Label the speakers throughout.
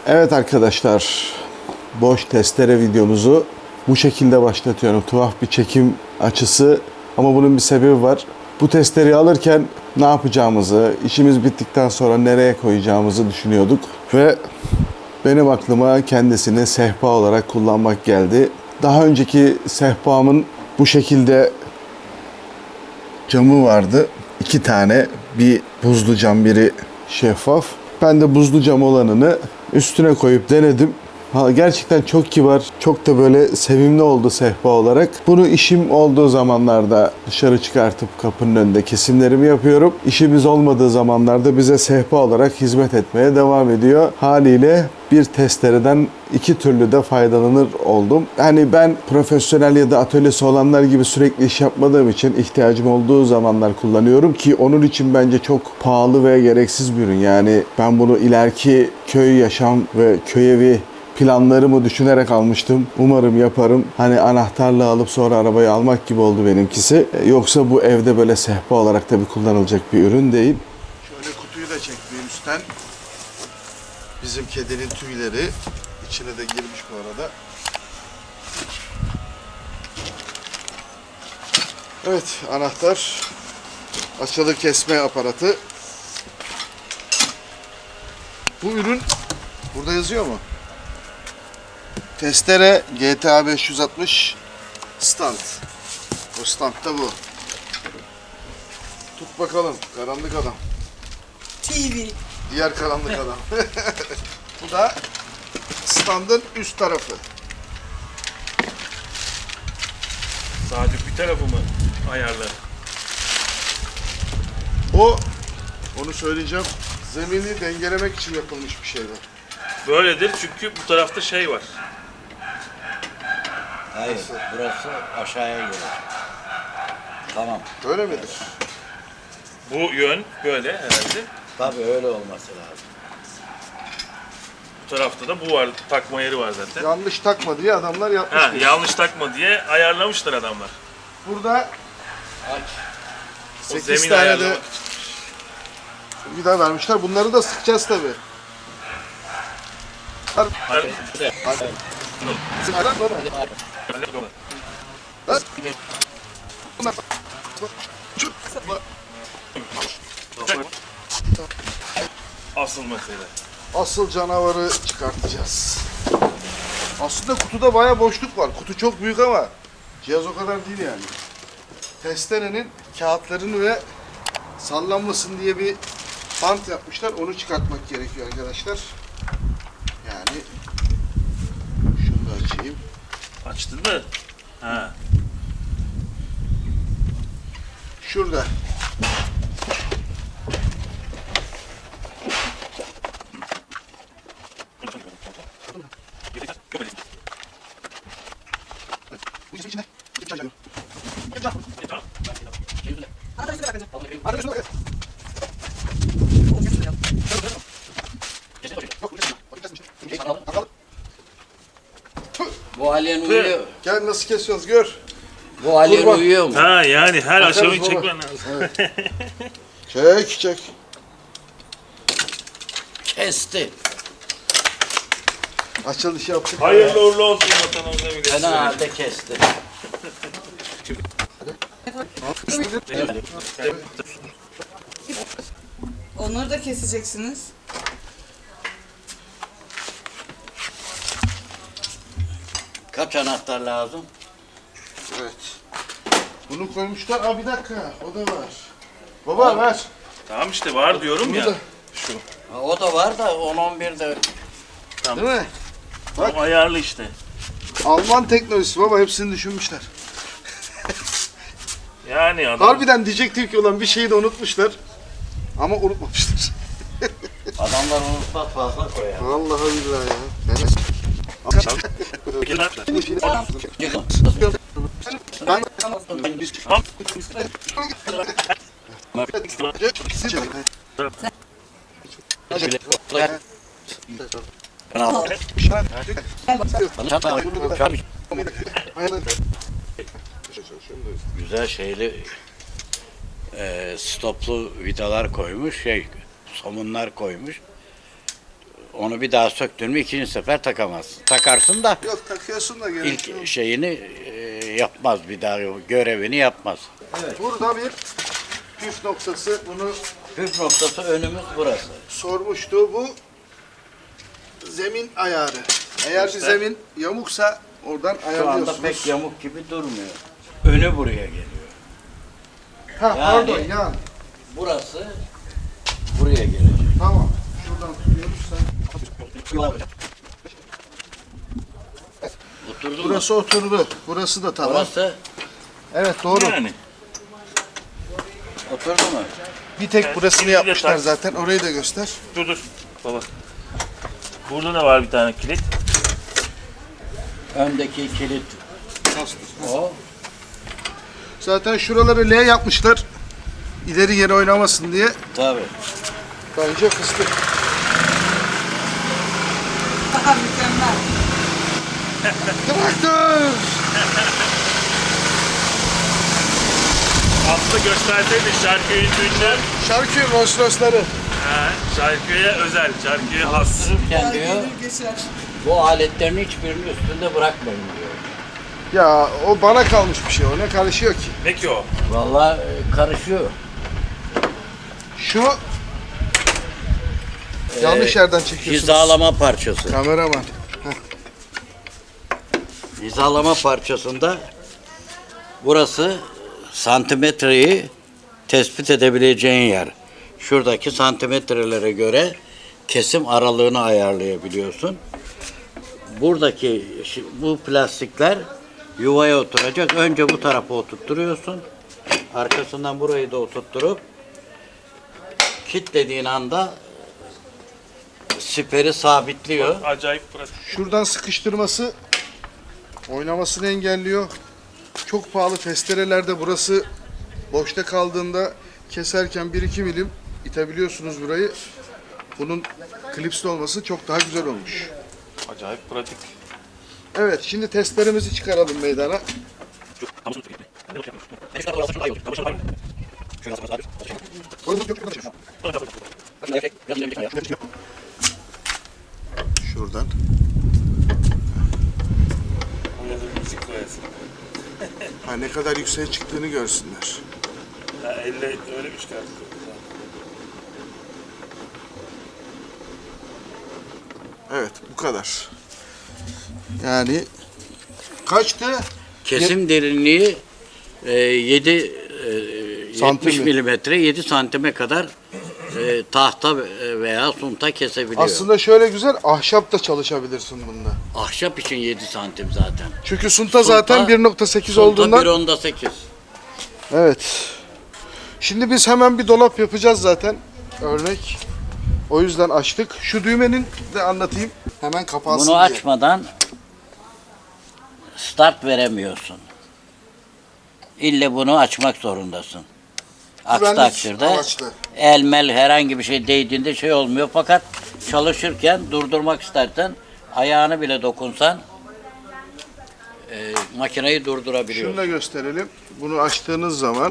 Speaker 1: Evet arkadaşlar, boş testere videomuzu bu şekilde başlatıyorum. Tuhaf bir çekim açısı ama bunun bir sebebi var. Bu testereyi alırken ne yapacağımızı, işimiz bittikten sonra nereye koyacağımızı düşünüyorduk. Ve benim aklıma kendisini sehpa olarak kullanmak geldi. Daha önceki sehpamın bu şekilde camı vardı. 2 tane, bir buzlu cam, biri şeffaf. Ben de buzlu cam olanını üstüne koyup denedim. Gerçekten çok kibar, çok da böyle sevimli oldu sehpa olarak. Bunu işim olduğu zamanlarda dışarı çıkartıp kapının önünde kesimlerimi yapıyorum. İşimiz olmadığı zamanlarda bize sehpa olarak hizmet etmeye devam ediyor. Haliyle bir testereden iki türlü de faydalanır oldum. Yani ben profesyonel ya da atölyesi olanlar gibi sürekli iş yapmadığım için ihtiyacım olduğu zamanlar kullanıyorum ki onun için bence çok pahalı ve gereksiz bir ürün. Yani ben bunu ileriki köy yaşam ve köy evi planlarımı düşünerek almıştım. Umarım yaparım. Hani anahtarla alıp sonra arabayı almak gibi oldu benimkisi. Yoksa bu evde böyle sehpa olarak tabii kullanılacak bir ürün değil. Şöyle kutuyu da çektiğim üstten. Bizim kedinin tüyleri içine de girmiş bu arada. Evet, anahtar, açılı kesme aparatı. Bu ürün burada yazıyor mu? Testere GTA 560 stand. O stand da bu. Tut bakalım, karanlık adam.
Speaker 2: TV.
Speaker 1: Diğer karanlık adam. Bu da standın üst tarafı.
Speaker 3: Sadece bir tarafı mı ayarlı?
Speaker 1: Onu söyleyeceğim. Zemini dengelemek için yapılmış bir şeyler.
Speaker 3: Böyledir çünkü bu tarafta şey var.
Speaker 4: Hayır, burası aşağıya gelecek. Tamam.
Speaker 1: Öyle midir?
Speaker 3: Bu yön böyle herhalde.
Speaker 4: Tabii öyle olması lazım.
Speaker 3: Bu tarafta da bu var. Takma yeri var zaten.
Speaker 1: Yanlış takma diye adamlar yapmış.
Speaker 3: Ha, yanlış takma diye ayarlamışlar adamlar.
Speaker 1: Burada
Speaker 4: Aç.
Speaker 3: O
Speaker 1: 8
Speaker 3: zemin
Speaker 1: tane de
Speaker 3: ayarlamak için.
Speaker 1: vida vermişler. Bunları da sıkacağız tabii.
Speaker 3: Hadi. Asıl mesele.
Speaker 1: Asıl canavarı çıkartacağız. Aslında kutuda bayağı boşluk var. Kutu çok büyük ama cihaz o kadar değil yani. Testerenin kağıtlarını ve sallanmasın diye bir bant yapmışlar. Onu çıkartmak gerekiyor arkadaşlar. Yani şunu da açayım.
Speaker 3: Açtın mı? Ha.
Speaker 1: Şurada. Bu içinde.
Speaker 4: Bu alien uyuyor.
Speaker 1: Gel nasıl kesiyoruz gör.
Speaker 4: Bu alien
Speaker 1: Kurban.
Speaker 4: uyuyor mu?
Speaker 3: Ha yani her
Speaker 1: Bakarız
Speaker 3: aşamayı
Speaker 1: baba.
Speaker 3: çekmen lazım.
Speaker 1: Çek.
Speaker 4: Kesti.
Speaker 1: Açılış yaptık.
Speaker 3: Hayırlı uğurlu olsun vatanımıza milletimize.
Speaker 4: Fena halde kesti.
Speaker 2: Onları da keseceksiniz.
Speaker 4: Kaç anahtar lazım?
Speaker 1: Evet. Bunu koymuşlar. Aa bir dakika. O da var. Baba ver.
Speaker 3: Tamam işte var diyorum
Speaker 1: Bunu
Speaker 3: ya.
Speaker 1: da.
Speaker 3: Şu.
Speaker 4: Ha, o da var da 10-11 de
Speaker 1: Değil mi?
Speaker 3: Tam ayarlı işte.
Speaker 1: Alman teknolojisi baba, hepsini düşünmüşler.
Speaker 3: Yani adam.
Speaker 1: Harbiden diyecektim ki olan bir şeyi de unutmuşlar. Ama unutmamışlar.
Speaker 4: adamlar unutmaz fazla koyar.
Speaker 1: Vallahi billahi ya.
Speaker 4: Güzel şeyli stoplu vidalar koymuş, somunlar koymuş. onu bir daha söktün mü ikinci sefer takamazsın. Takarsın da
Speaker 1: Yok takıyorsun da
Speaker 4: ilk şeyini yapmaz, bir daha görevini yapmaz.
Speaker 1: Burada bir püf noktası, bunu
Speaker 4: Püf noktası önümüz burası.
Speaker 1: sormuştu. Bu zemin ayarı. Eğer bir
Speaker 3: İşte.
Speaker 1: zemin yamuksa oradan
Speaker 4: Şu anda
Speaker 1: ayarlıyorsunuz.
Speaker 4: pek yamuk gibi durmuyor. Önü buraya geliyor.
Speaker 1: Ha
Speaker 4: Yani-
Speaker 1: pardon yan.
Speaker 4: Burası buraya gelecek.
Speaker 1: Tamam. Şuradan tutuyoruz sen.
Speaker 4: Oturdu mu?
Speaker 1: Burası oturdu. Burası da tamam.
Speaker 4: Burası
Speaker 1: Evet doğru.
Speaker 3: Yani.
Speaker 4: oturdu mu?
Speaker 1: Bir tek
Speaker 3: Evet,
Speaker 1: burasını
Speaker 3: şimdi de
Speaker 1: yapmışlar
Speaker 3: tak.
Speaker 1: zaten. Orayı da göster.
Speaker 3: Dur. Baba. Burada da var bir tane kilit.
Speaker 4: Öndeki kilit o.
Speaker 1: Zaten şuraları L yapmışlar. İleri geri oynamasın diye.
Speaker 4: Tabii.
Speaker 1: Bence fıstık.
Speaker 2: Aha mükemmel.
Speaker 1: Traktör!
Speaker 3: Aslında gösterseydi Şarköy'ün ünlü.
Speaker 1: Şarkı Rolls Royce'ları.
Speaker 3: Şarköy'e özel, Şarköy'e has.
Speaker 4: Dururken diyor
Speaker 2: Gelir geçer.
Speaker 4: bu aletlerin hiçbirini üstünde bırakmayın diyor.
Speaker 1: Ya o bana kalmış bir şey. O ne karışıyor ki?
Speaker 3: Ne ki o?
Speaker 4: Vallahi karışıyor.
Speaker 1: Şu yanlış yerden çekiyorsunuz.
Speaker 4: Hizalama parçası.
Speaker 1: Kameraman.
Speaker 4: Hizalama parçasında burası santimetreyi tespit edebileceğin yer. Şuradaki santimetrelere göre kesim aralığını ayarlayabiliyorsun. Buradaki bu plastikler yuvaya oturacak. Önce bu tarafa oturtturuyorsun. Arkasından burayı da oturtturup kilitlediğin anda siperi sabitliyor.
Speaker 3: Acayip pratik.
Speaker 1: Şuradan sıkıştırması oynamasını engelliyor. Çok pahalı testerelerde burası boşta kaldığında keserken 1-2 milim itebiliyorsunuz burayı. Bunun klipsli olması çok daha güzel olmuş.
Speaker 3: Acayip pratik.
Speaker 1: Evet, şimdi testlerimizi çıkaralım meydana. Şuradan.
Speaker 3: Oraya da müzik koyasın.
Speaker 1: Ha, ne kadar yükseğe çıktığını görsünler.
Speaker 3: Elle öyle bir çıkartıyor.
Speaker 1: Evet, bu kadar. Yani kaçtı?
Speaker 4: Kesim derinliği 70
Speaker 1: Santim mi?
Speaker 4: milimetre 7 santime kadar tahta veya sunta kesebiliyor.
Speaker 1: Aslında şöyle güzel, ahşap da çalışabilirsin bunda.
Speaker 4: Ahşap için 7 santim zaten.
Speaker 1: Çünkü sunta zaten 1.8 olduğundan.
Speaker 4: Sunta 1.8.
Speaker 1: Evet. Şimdi biz hemen bir dolap yapacağız zaten. Örnek. O yüzden açtık. Şu düğmenin de anlatayım. Hemen kapansın
Speaker 4: Bunu
Speaker 1: diye.
Speaker 4: açmadan start veremiyorsun. İlle bunu açmak zorundasın. Aksi
Speaker 1: Güvenlik
Speaker 4: takdirde
Speaker 1: amaçlı.
Speaker 4: elmel herhangi bir şey değdiğinde şey olmuyor. Fakat çalışırken durdurmak istersen ayağını bile dokunsan makineyi
Speaker 1: Şunu
Speaker 4: durdurabiliyorsun.
Speaker 1: da gösterelim. Bunu açtığınız zaman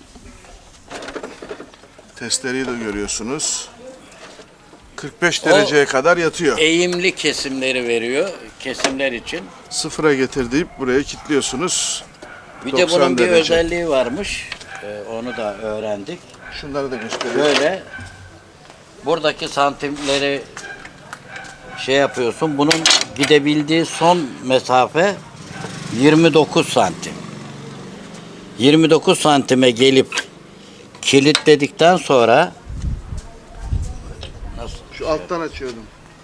Speaker 1: testereyi de görüyorsunuz. 45 dereceye kadar yatıyor.
Speaker 4: Eğimli kesimleri veriyor kesimler için.
Speaker 1: Sıfıra getir deyip buraya kilitliyorsunuz.
Speaker 4: Bir de
Speaker 1: 90
Speaker 4: bunun bir
Speaker 1: derece.
Speaker 4: özelliği varmış. Onu da öğrendik.
Speaker 1: Şunları da göstereyim.
Speaker 4: Böyle buradaki santimleri şey yapıyorsun. Bunun gidebildiği son mesafe 29 santim. 29 santime gelip kilitledikten sonra nasıl?
Speaker 1: Şu alttan açıyordum.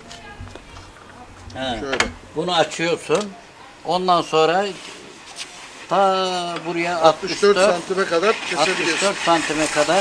Speaker 4: He.
Speaker 1: Şöyle.
Speaker 4: Bunu açıyorsun. Ondan sonra ta buraya
Speaker 1: 64 santime kadar kesebiliyorsun.
Speaker 4: 64 santime kadar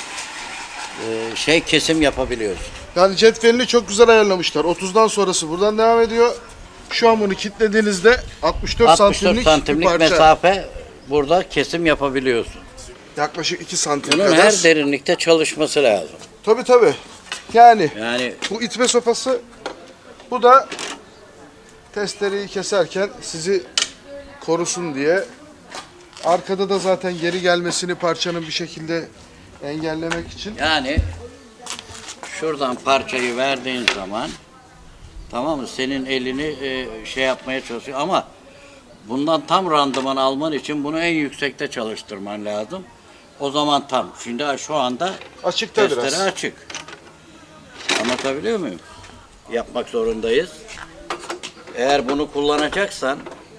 Speaker 4: kesim yapabiliyorsun.
Speaker 1: Yani cetvelini çok güzel ayarlamışlar. 30'dan sonrası buradan devam ediyor. Şu an bunu kilitlediğinizde 64
Speaker 4: 64
Speaker 1: bir
Speaker 4: santimlik
Speaker 1: parça.
Speaker 4: mesafe burada kesim yapabiliyorsun.
Speaker 1: Yaklaşık 2 santim
Speaker 4: Bunun
Speaker 1: kadar.
Speaker 4: her derinlikte çalışması lazım.
Speaker 1: Tabii tabii. Yani
Speaker 4: Yani
Speaker 1: bu itme sopası, bu da testereyi keserken sizi korusun diye. Arkada da zaten geri gelmesini parçanın bir şekilde engellemek için.
Speaker 4: şuradan parçayı verdiğin zaman Tamam mı? Senin elini şey yapmaya çalışıyor ama bundan tam randıman alman için bunu en yüksekte çalıştırman lazım. O zaman tam. Şimdi şu anda
Speaker 1: Açıkta
Speaker 4: testere
Speaker 1: biraz.
Speaker 4: açık. Anlatabiliyor muyum? Yapmak zorundayız. Eğer bunu kullanacaksan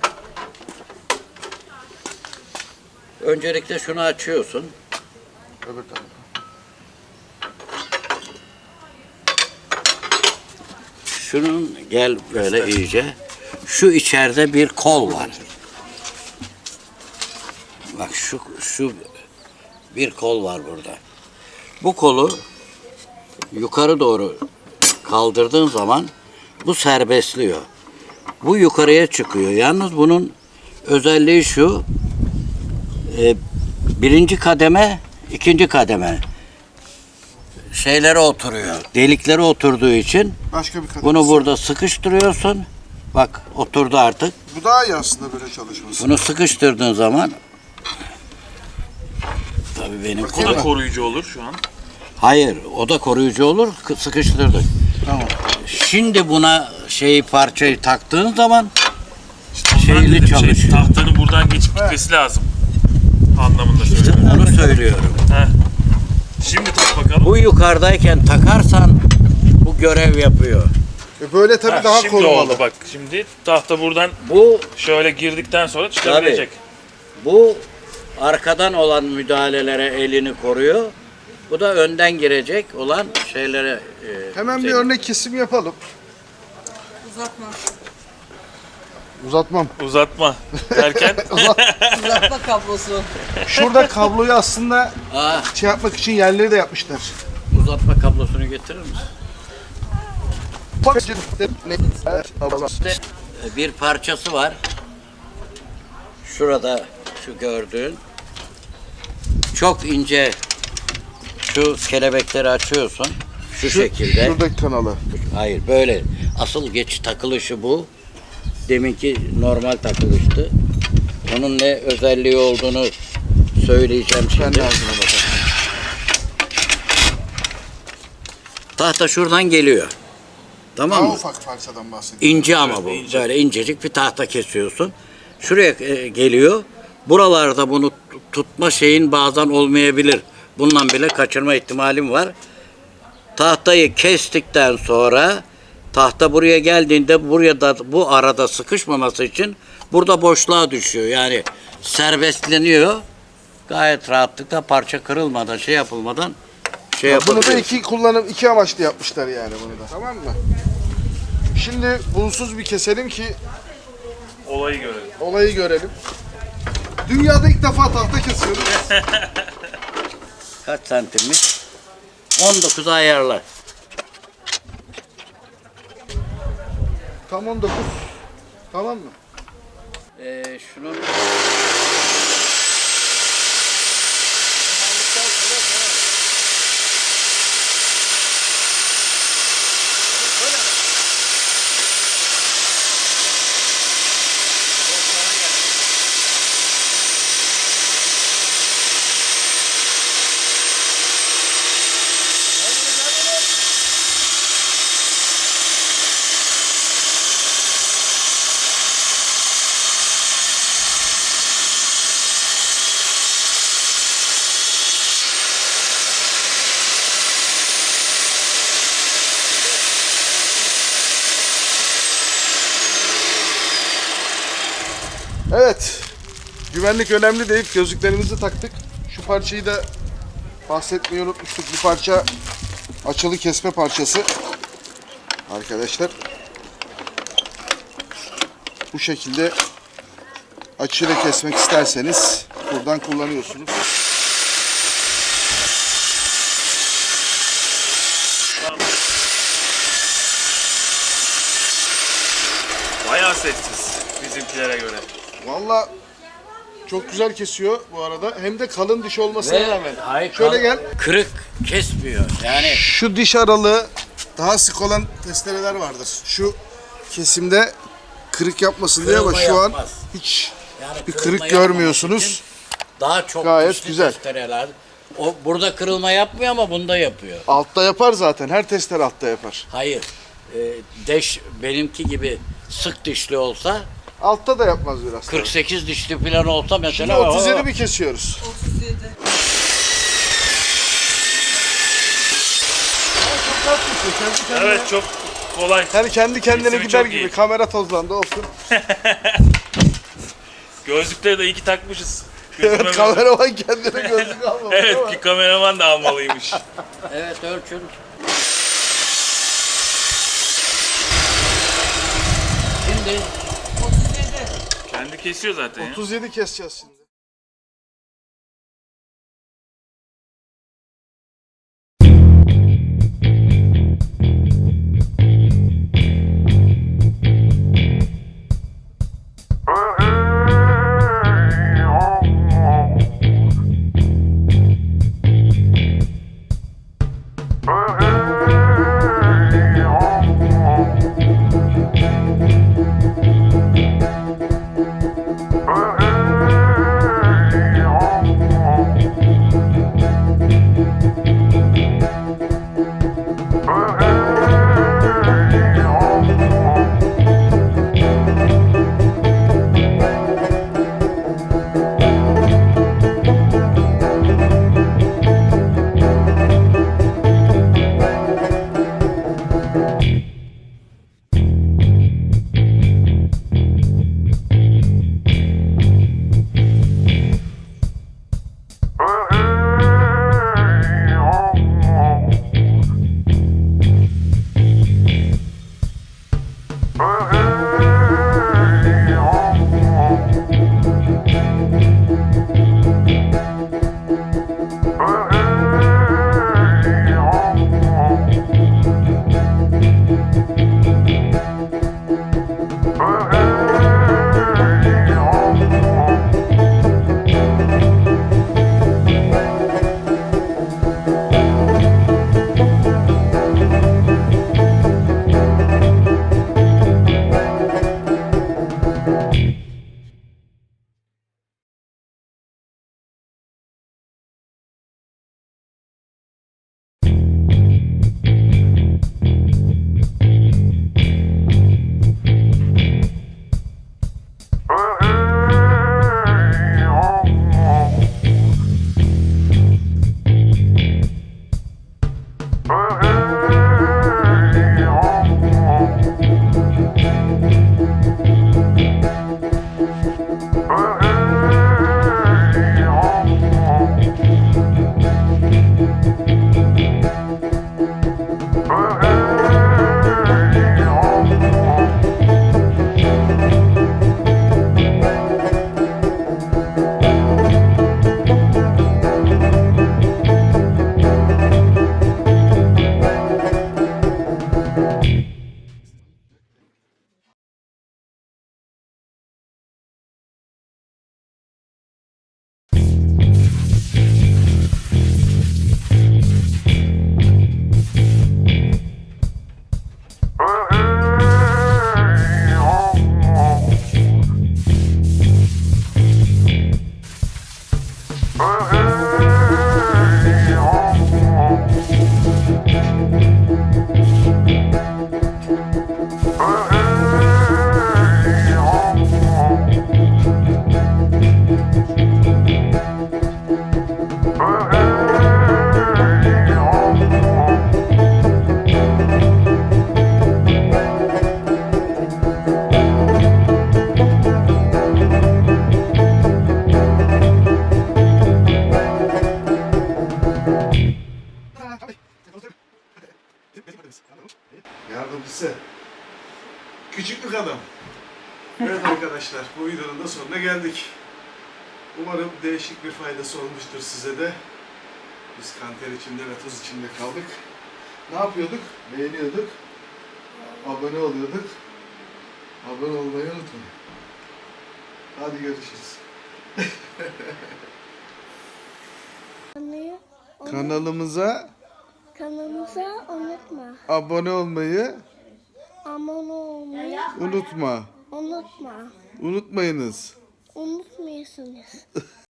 Speaker 4: öncelikle şunu açıyorsun.
Speaker 1: Öbür tarafa.
Speaker 4: Şunun gel böyle iyice. Şu içeride bir kol var. Bak şu bir kol var burada. Bu kolu yukarı doğru kaldırdığın zaman bu serbestliyor. Bu yukarıya çıkıyor. Yalnız bunun özelliği şu. Birinci kademe, ikinci kademe şeylere oturuyor. Deliklere oturduğu için
Speaker 1: Başka bir kadın.
Speaker 4: bunu burada sıkıştırıyorsun. Bak oturdu artık.
Speaker 1: Bu daha iyi aslında böyle çalışması.
Speaker 4: Bunu sıkıştırdığın zaman tabii benim
Speaker 3: O da koruyucu olur şu an.
Speaker 4: hayır o da koruyucu olur sıkıştırdık.
Speaker 1: Tamam.
Speaker 4: Şimdi buna parçayı taktığın zaman
Speaker 3: Ondan
Speaker 4: şeyli
Speaker 3: dedim,
Speaker 4: çalışıyor.
Speaker 3: tahtanın buradan geçip gitmesi lazım. Anlamında söylüyorum.
Speaker 4: Onu söylüyorum.
Speaker 3: Heh. Şimdi tak bakalım.
Speaker 4: Bu yukarıdayken takarsan bu görev yapıyor.
Speaker 1: Böyle tabii
Speaker 3: Ha,
Speaker 1: daha
Speaker 3: şimdi
Speaker 1: korumalı.
Speaker 3: oldu bak. Şimdi tahta buradan
Speaker 4: Bu
Speaker 3: şöyle girdikten sonra çıkabilecek.
Speaker 4: bu arkadan olan müdahalelere elini koruyor. Bu da önden girecek olan şeylere
Speaker 1: Hemen bir
Speaker 4: senin-
Speaker 1: örnek kesim yapalım.
Speaker 2: Uzatma.
Speaker 1: Uzatmam.
Speaker 3: Uzatma derken
Speaker 2: Uzatma kablosu.
Speaker 1: Şurada kabloyu aslında
Speaker 4: Aa,
Speaker 1: şey yapmak için yerleri de yapmışlar.
Speaker 4: uzatma kablosunu getirir misin? Bir parçası var. Şurada şu gördüğün çok ince şu kelebekleri açıyorsun. Şu şekilde.
Speaker 1: Şuradaki kanalı.
Speaker 4: Hayır böyle. Asıl geç takılışı bu. Deminki normal takılıştı. Onun ne özelliği olduğunu söyleyeceğim
Speaker 1: Ben
Speaker 4: şimdi.
Speaker 1: de ağzına bakarım.
Speaker 4: Tahta şuradan geliyor. Tamam
Speaker 1: Daha
Speaker 4: mı?
Speaker 1: ufak parçadan bahsediyorum.
Speaker 4: İnce ama bu. Böyle incecik bir tahta kesiyorsun. Şuraya geliyor. Buralarda bunu tutma şeyin bazen olmayabilir. Bundan bile kaçırma ihtimalim var. Tahtayı kestikten sonra tahta buraya geldiğinde buraya da bu arada sıkışmaması için burada boşluğa düşüyor. Yani serbestleniyor. Gayet rahatlıkla parça kırılmadan şey yapılmadan şey
Speaker 1: Bunu da
Speaker 4: yapabiliyorsun.
Speaker 1: iki amaçlı yapmışlar yani bunu da. Tamam mı? Şimdi bunsuz bir keselim ki
Speaker 3: olayı görelim.
Speaker 1: olayı görelim. Dünyada ilk defa tahta kesiyoruz.
Speaker 4: Kaç santimmiş? 19 ayarla.
Speaker 1: Tam 19. Tamam mı?
Speaker 4: Şunu
Speaker 1: Evet. Güvenlik önemli deyip gözlüklerimizi taktık. Şu parçayı da bahsetmeyi unutmuştuk. Bu parça açılı kesme parçası. Arkadaşlar. Bu şekilde açıyla kesmek isterseniz buradan kullanıyorsunuz.
Speaker 3: Bayağı sessiz bizimkilere göre.
Speaker 1: Valla çok güzel kesiyor bu arada. Hem de kalın diş olmasına rağmen.
Speaker 4: hayır,
Speaker 1: Şöyle gel.
Speaker 4: kırık kesmiyor. Yani
Speaker 1: Şu diş aralığı daha sık olan testereler vardır. Şu kesimde kırık yapmasın diye ama
Speaker 4: Kırılma
Speaker 1: şu an
Speaker 4: yapmaz.
Speaker 1: hiç
Speaker 4: Yani
Speaker 1: bir
Speaker 4: kırılma
Speaker 1: kırık
Speaker 4: yapmaması
Speaker 1: görmüyorsunuz.
Speaker 4: için daha çok
Speaker 1: Gayet
Speaker 4: dişli
Speaker 1: güzel.
Speaker 4: testereler. O burada kırılma yapmıyor ama bunda yapıyor.
Speaker 1: Altta yapar zaten. Her testere altta yapar.
Speaker 4: Hayır. deş benimki gibi sık dişli olsa,
Speaker 1: Altta da yapmaz biraz.
Speaker 4: 48 dişli falan olsa
Speaker 1: Şimdi
Speaker 4: mesela
Speaker 1: 37 mi kesiyoruz?
Speaker 2: 37.
Speaker 3: Evet, çok kolay.
Speaker 1: Yani kendi kendine
Speaker 3: Kesimi
Speaker 1: gider
Speaker 3: çok
Speaker 1: gibi.
Speaker 3: iyi.
Speaker 1: Kamera tozlandı olsun.
Speaker 3: Gözlükleri de iyi ki takmışız.
Speaker 1: Evet,
Speaker 3: Gözüme
Speaker 1: kameraman kendine gözlük almamış
Speaker 3: Evet,
Speaker 1: ama.
Speaker 3: ki kameraman da almalıymış.
Speaker 4: evet ölçün. Şimdi
Speaker 2: 37.
Speaker 3: Kendi kesiyor zaten ya.
Speaker 1: 37 keseceğiz şimdi. Yardımcısı. Küçüklük adam. Evet arkadaşlar, bu videonun da sonuna geldik. Umarım değişik bir faydası olmuştur size de. Biz kanter içinde ve tuz içinde kaldık. Ne yapıyorduk? Beğeniyorduk. Abone oluyorduk. Abone olmayı unutmayın. Hadi görüşürüz. Kanalımıza
Speaker 5: unutma.
Speaker 1: abone olmayı
Speaker 5: Abone olmayı
Speaker 1: unutma.
Speaker 5: unutma.
Speaker 1: Unutmayınız.
Speaker 5: Unutmuyorsunuz.